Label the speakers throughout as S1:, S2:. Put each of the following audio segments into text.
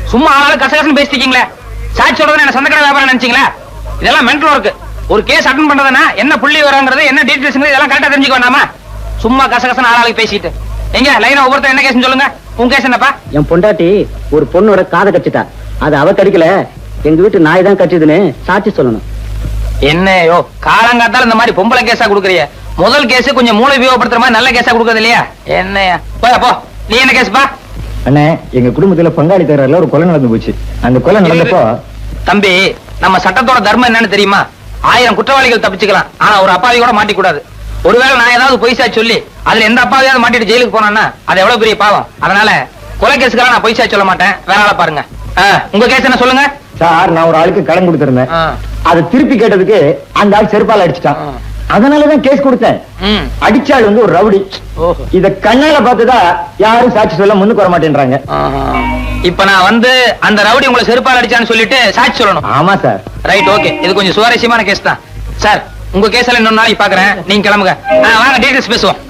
S1: சும்மா ஆளாலும் கசகசன்னு பேசிட்டீங்களே. சாட்சி சொல்றது என்ன சொந்தக்கடை வியாபாரம் நினைச்சீங்களா? இதெல்லாம் மென்டல் ஒர்க். ஒரு கேஸ் அட்டன் பண்றதுன்னா என்ன புள்ளி வரங்கிறது, என்ன டீடைல்ஸ் இதெல்லாம் கரெக்டா தெரிஞ்சுக்க வேண்டாமா? சும்மா கசகசன்னு ஆளாளுக்கு பேசிட்டு எங்க லைனா ஒவ்வொருத்தர் என்ன கேஸ்னு சொல்லுங்க. உங்க கேஸ் என்னப்பா?
S2: என் பொண்டாட்டி ஒரு பொண்ணோட காதை கடிச்சிட்டா. அது அவ கடிக்கல, எங்க வீட்டு நாய் தான் கடிச்சதுன்னு சாட்சி சொல்லணும்.
S1: என்னையோ காலங்காத்தால இந்த மாதிரி பொம்பளை கேஸா கொடுக்குறிய? முதல் கேஸ் கொஞ்சம் மூளை உபயோகப்படுத்துற மாதிரி நல்ல கேஸா கொடுக்கறது இல்லையா? என்னையா போ. நீ என்ன கேஸ்பா?
S3: அண்ணே, எங்க குடும்பத்துல பங்காளி தகராறுல ஒரு கொலை நடந்து போச்சு. அந்த கொலை நடந்தப்போ
S1: தம்பி, நம்ம சட்டத்தோட தர்மம் என்னன்னு தெரியுமா? 1000 குற்றவாளிகள் தப்பிச்சுக்கலாம், ஆனா ஒரு அப்பாவி கூட மாட்டிக்கூடாது. ஒருவேளை நான் ஏதாவது பொய்சா சொல்லி அதுல எந்த அப்பாவியாவது மாட்டிட்டு ஜெயிலுக்கு போனான்னா அது எவ்வளவு பெரிய பாவம். அதனால கொலை கேஸுக்கெல்லாம் நான் பொய்சா சொல்ல மாட்டேன். வேற ஆளை பாருங்க. உங்க கேஸ் என்ன சொல்லுங்க
S3: சார். நான் ஒரு ஆளுக்கு கடன் கொடுத்திருந்தேன். அதை திருப்பி கேட்டதுக்கு அந்த ஆள் செருப்பால அடிச்சுட்டான். அதனாலதான் கேஸ் கொடுத்தேன். அடிச்சாள் வந்து ஒரு ரவுடி. இத கண்ணால பார்த்துதான் யாரும் சாட்சி சொல்ல முன்னுக்கு வர மாட்டேன்றாங்க.
S1: இப்ப நான் வந்து அந்த ரவுடி உங்களை செருப்பால் அடிச்சான்னு சொல்லிட்டு சாட்சி சொல்லணும்.
S3: ஆமா சார்.
S1: Right, okay. இது கொஞ்சம் சுவாரஸ்யமான கேஸ் தான் சார். உங்க கேஸ் எல்லாம் இன்னொரு நாளைக்கு பாக்குறேன். நீங்க கிளம்புங்க. வாங்க டீடைல்ஸ் பேசுவோம்.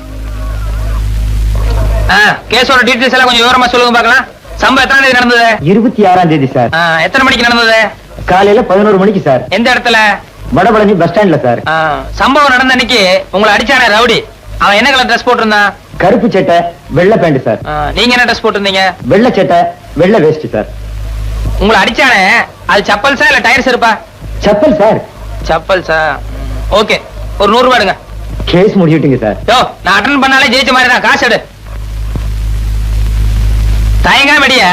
S1: கேஸோட டீடைல்ஸ் எல்லாம் கொஞ்சம் விவரமா சொல்லுங்க பாக்கலாம். சம்பவம் எத்தனை தேதி நடந்தது?
S3: 26ஆம் தேதி சார்.
S1: எத்தனை மணிக்கு நடந்தது?
S3: காலையில 11 மணிக்கு சார்.
S1: எந்த இடத்துல?
S3: வடபழனி பஸ் ஸ்டாண்ட்ல சார்.
S1: சம்பவம் நடந்த அன்னைக்கு உங்களை அடிச்சானே ரவுடி, அவன் என்ன கலர் ட்ரெஸ் போட்டிருந்தான்?
S3: கருப்பு சட்டை வெள்ளை பேண்ட் சார்.
S1: நீங்க என்ன ட்ரெஸ் போட்டிருந்தீங்க?
S3: வெள்ளை சட்டை வெள்ளை வேஷ்டி சார்.
S1: உங்களை அடிச்சானே அது சப்பல்ஸா இல்ல டயர்ஸ் இருப்பா?
S3: சப்பல் சார்.
S1: சப்பல்ஸா? ஓகே, ஒரு 100 ரூபாய் எடுங்க.
S3: Case முடிச்சுட்டீங்க sir.
S1: யோ, நான் அட்டெண்ட் பண்ணாலே ஜெயிச்ச மாதிரி தான். காசு எடு. தயங்காம அடியா.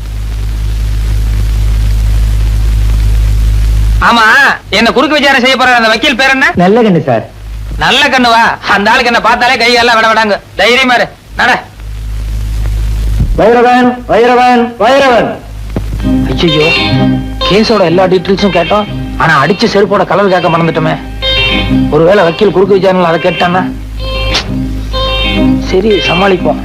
S1: ஆமா, என்ன குறுக்கு விசாரணை செய்ய போற அந்த வக்கீல் பேர் என்ன?
S3: நல்ல கண்ணு சார்.
S1: நல்ல கண்ணுவா? அந்த ஆளுக்கு என்ன பார்த்தாலே கை எல்லாம் விட விடாங்க. தைரியமா இரு. நட.
S3: வைரவன் வைரவன் வைரவன்.
S1: ஐயோ, கேஸோட எல்லா டீட்டெயில்ஸும் கேட்டோம், ஆனா அடிச்ச செருப்போட கலர் கேட்க மறந்துட்டோமே. ஒருவேளை வக்கீல் குறுக்கு விசாரணை அதை கேட்டானா? சரி, சமாளிப்போம்.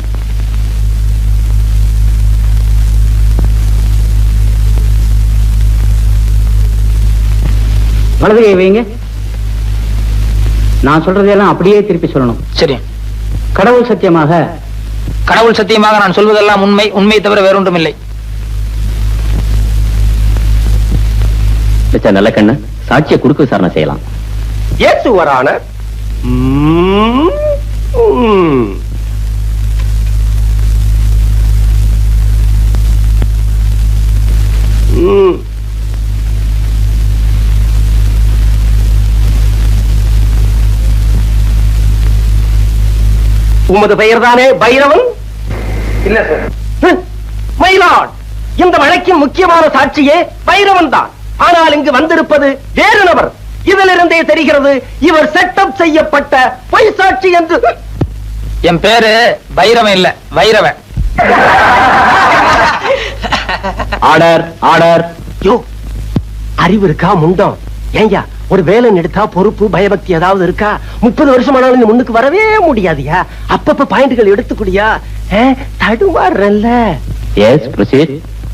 S2: வலது கை வைங்க. நான் சொல்றதெல்லாம் அப்படியே திருப்பி சொல்லணும்.
S1: சரி.
S2: கடவுள் சத்தியமாக.
S1: கடவுள் சத்தியமாக நான் சொல்வதெல்லாம் உண்மை, உண்மையை தவிர வேறொன்றும் இல்லை.
S2: நல்ல கண்ணு, சாட்சியை குறுக்கு விசாரணை செய்யலாம்.
S4: Yes your honour. உமது பெயர் தானே பைரவன்?
S1: இல்ல சார்.
S4: மயிலாட், இந்த வழக்கின் முக்கியமான சாட்சியே பைரவன் தான். ஆனால் இங்கு வந்திருப்பது வேறு நபர். இதிலிருந்தே தெரிகிறது இவர் செட்டப் செய்யப்பட்ட பொய் சாட்சி என்று.
S1: என் பேரு பைரவன் இல்ல, வைரவன்.
S4: Order order. யோ, அறிவு இருக்கா முண்டம்? ஏங்க, ஒரு வேலை எடுத்தா பொறுப்பு பயபக்தி ஏதாவது இருக்கா? 30 வருஷம் ஆனாலும் நீ முன்னுக்கு வரவே முடியாதியா? அப்பப்ப பாயிண்ட்கள் எடுத்துக்கூடியா? தடுமாறல்ல.
S2: Yes, proceed.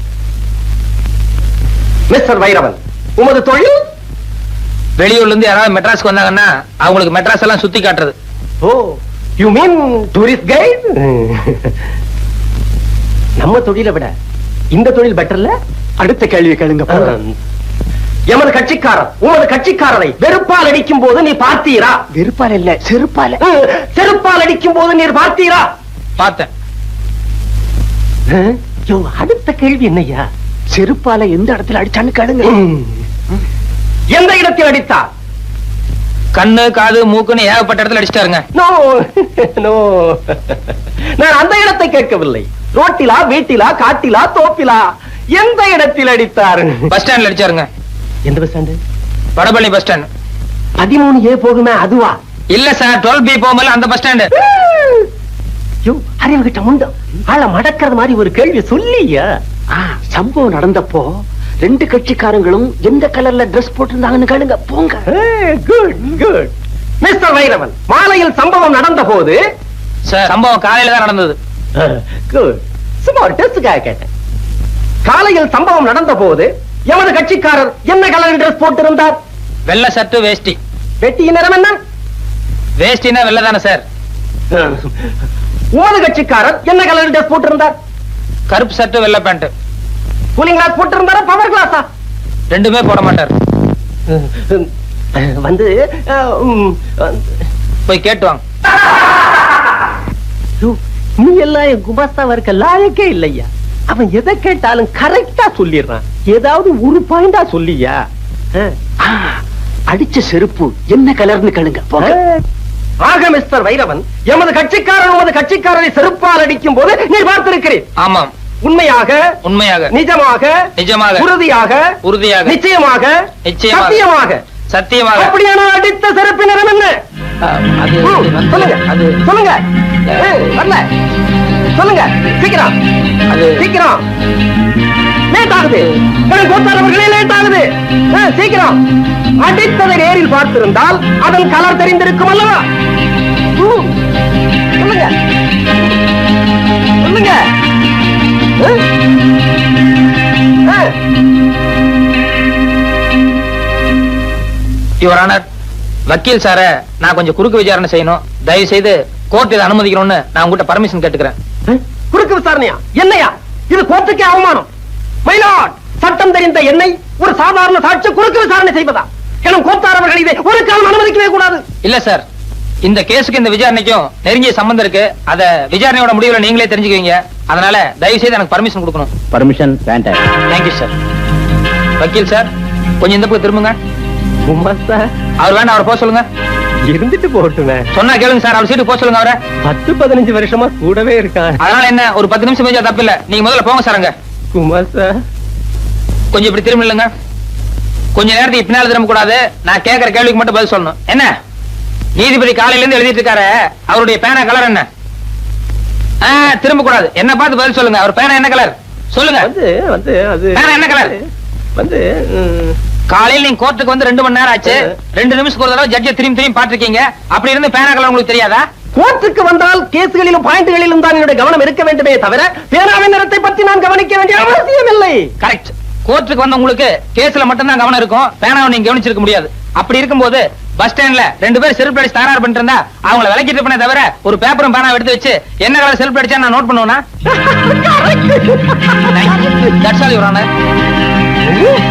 S4: மிஸ்டர் வைரவன், உமது தொழில்?
S1: வெளியூர்ல இருந்து யாராவது மெட்ராஸ்க்கு வந்தாங்கன்னா அவங்களுக்கு மெட்ராஸ் எல்லாம் சுத்தி காட்டுறது.
S4: Oh, you mean tourist guide? நம்ம தொழிலை விட இந்த தொழில் பெட்டர்ல. அடுத்த கேள்வி கேளுங்க. எமது கட்சிக்காரர் உமது கட்சிக்காரரை வெறுப்பால் அடிக்கும் போது நீ பார்த்தீரா? வெறுப்பால் இல்ல, செருப்பால். செருப்பால் அடிக்கும் போது நீர் பார்த்தீரா?
S1: பார்த்தேன்.
S4: அடுத்த கேள்வி என்னையா? செருப்பால எந்த இடத்துல அடிச்சான்னு கேளுங்க. எந்த இடத்தில் அடித்தார்?
S1: கண்ணு, காது, மூக்குன்னு ஏகப்பட்ட இடத்துல அடிச்சிட்டாருங்க.
S4: நோ நோ, நான் அந்த இடத்தை கேட்கவில்லை. ரோட்டிலா, வீட்டிலா, காட்டிலா, தோப்பிலா, எந்த இடத்தில் அடித்தார்?
S1: பஸ் ஸ்டாண்ட்ல அடிச்சாருங்க.
S4: எந்த bus stand?
S1: Vadapalani bus stand.
S4: 13A போகுமே அதுவா?
S1: இல்ல சார், 12B போகும்போது அந்த பஸ் ஸ்டாண்டு.
S4: அறிவு கிட்ட முண்டம் ஆள மடக்கிறது மாதிரி ஒரு கேள்வி சொல்லியா? சம்பவம் நடந்தப்போ 2 கட்சிக்காரங்களும் எந்த கலர்ல டிரெஸ் போட்டிருந்தாங்கன்னு கேளுங்க. போங்க. Good good. மிஸ்டர் வைரவன், மாலையில் சம்பவம் நடந்த போது?
S1: சார், சம்பவம் காலையில தான் நடந்தது.
S4: குட். சும்மா ஒரு டெஸ்டுக்காக கேட்டேன். காலையில் சம்பவம் நடந்த போது எமது கட்சிக்காரர் என்ன கலர் டிரெஸ் போட்டிருந்தார்?
S1: வெள்ளை சட்டு, வேஷ்டி.
S4: வெட்டியின் நிறம் என்ன?
S1: வேஷ்டினா வெள்ளை தானே சார்.
S4: உமது கட்சிக்காரர் என்ன கலர் டிரெஸ் போட்டிருந்தார்?
S1: கருப்பு சட்டு, வெள்ளை பேண்ட்.
S4: கூலிங் கிளாஸ் போட்டு இருந்தாரா பவர் கிளாஸா?
S1: ரெண்டுமே போட மாட்டார்.
S4: வந்து
S1: போய் கேட்டு வாங்க.
S4: நீ எல்லாம் என் குமாஸ்தாவா இருக்க லாயக்கே இல்லையா? அவன் எதை கேட்டாலும் கரெக்டா சொல்லிடுறான். ஏதாவது ஒரு பாயிண்டா சொல்லியா?
S2: அடிச்ச செருப்பு என்ன கலர்னு கேளுங்க.
S4: ஆக மிஸ்டர் வைரவன், எமது கட்சிக்காரன் உமது கட்சிக்காரரை செருப்பால் அடிக்கும் போது நீ பார்த்திருக்கிறேன்.
S1: ஆமாம்.
S4: உண்மையாக,
S1: உண்மையாக,
S4: நிஜமாக,
S1: நிஜமாக,
S4: உறுதியாக,
S1: உறுதியாக,
S4: நிச்சயமாக,
S1: நிச்சயமாக,
S4: சத்தியமாக,
S1: சத்தியமாக.
S4: அப்படியான அடித்த செருப்பின் நிறம் என்ன?
S1: அது
S4: சொல்லுங்க,
S1: அது
S4: சொல்லுங்க. வரல, சொல்லுங்க சீக்கிரம்,
S1: அது
S4: சீக்கிரம். லேட் ஆகுது, கோத்தாரவர்களே லேட் ஆகுது. சீக்கிரம். அடித்ததை நேரில் பார்த்திருந்தால் அதன் கலர் தெரிந்திருக்கும் அல்லவா? சொல்லுங்க, சொல்லுங்க.
S1: யுவர் ஆனர், வக்கீல் சார நான் கொஞ்சம் குறுக்கு விசாரணை செய்யணும். தயவு செய்து கோர்ட் இதை அனுமதிக்கணும்னு நான் உங்ககிட்ட பர்மிஷன் கேட்டுக்கிறேன்.
S4: குறுக்கு விசாரணையா? என்னையா இது? கோர்ட்டுக்கே அவமானம். மயிலாட், சட்டம் தெரிந்த என்னை ஒரு சாதாரண சாட்சி குறுக்கு விசாரணை செய்வதா? எனும் கோத்தாரவர்கள் இதை ஒரு காலம் அனுமதிக்கவே கூடாது.
S1: இல்ல சார், இந்த கேஸுக்கு இந்த விசாரணைக்கும் நெருங்கிய சம்பந்தம் இருக்கு. அத விசாரணையோட முடிவுல நீங்களே தெரிஞ்சுக்குவீங்க. அதனால தயவு செய்து எனக்கு பர்மிஷன் கொடுக்கணும்.
S2: பர்மிஷன் வேண்டாம்.
S1: Thank you sir. வக்கீல் சார், கொஞ்சம் இந்த பக்கம் திரும்புங்க. அவர் வேண்டாம், அவரை போக சொல்லுங்க.
S4: இருந்துட்டு போட்டுமே.
S1: சொன்னா கேளுங்க சார், அவர் சீட்டு போக சொல்லுங்க அவரை.
S4: 10-15 வருஷமா கூடவே இருக்கான்.
S1: அதனால என்ன, ஒரு 10 நிமிஷம் பேச தப்பு இல்ல. நீங்க முதல்ல போங்க சார். அங்க
S4: குமார் சார்,
S1: கொஞ்சம் இப்படி திரும்ப இல்லைங்க. கொஞ்ச நேரத்துக்கு பின்னால திரும்ப கூடாது. நான் கேட்கிற கேள்விக்கு மட்டும் பதில் சொல்லணும். என்ன நீதிபதி காலையில இருந்து எழுதிட்டு இருக்காரு, அவருடைய பேனா கலர் என்ன? திரும்ப கூடாது. என்ன பார்த்து பதில் சொல்லுங்க. அவர் பேனா என்ன கலர் சொல்லுங்க. பேனா என்ன கலர்? காலையில் நீங்க கோர்ட்டுக்கு வந்து 2 மணி நேரம் ஆச்சு. 2 நிமிஷத்துக்கு ஒரு தடவை ஜட்ஜை திரும்பி பாத்துருக்கீங்க. அப்படி இருந்து பேனா கலர் உங்களுக்கு தெரியாதா?
S4: கோர்ட்டுக்கு வந்தால் கேஸ்களிலும் பாயிண்ட்களிலும் தான் என்னுடைய கவனம் இருக்க வேண்டுமே தவிர பேனாவின் நிறத்தை பற்றி நான் கவனிக்க வேண்டிய அவசியம் இல்லை.
S1: கரெக்ட். கோர்ட்டுக்கு வந்த உங்களுக்கு கேஸ்ல மட்டும் தான் கவனம் இருக்கும். பேனாவை நீங்க கவனிச்சிருக்க முடியாது. அப்படி இருக்கும்போது பஸ் ஸ்டாண்ட்ல 2 பேர் செல்ஃப் அடிச்சு தகராறு பண்ணிட்டு இருந்தா அவங்கள விலக்கிட்டு பண்ண தவிர ஒரு பேப்பரும் பேனா எடுத்து வச்சு என்ன கலர் செல்ஃப் அடிச்சா நான் நோட் பண்ணுவேனா? That's all your honour.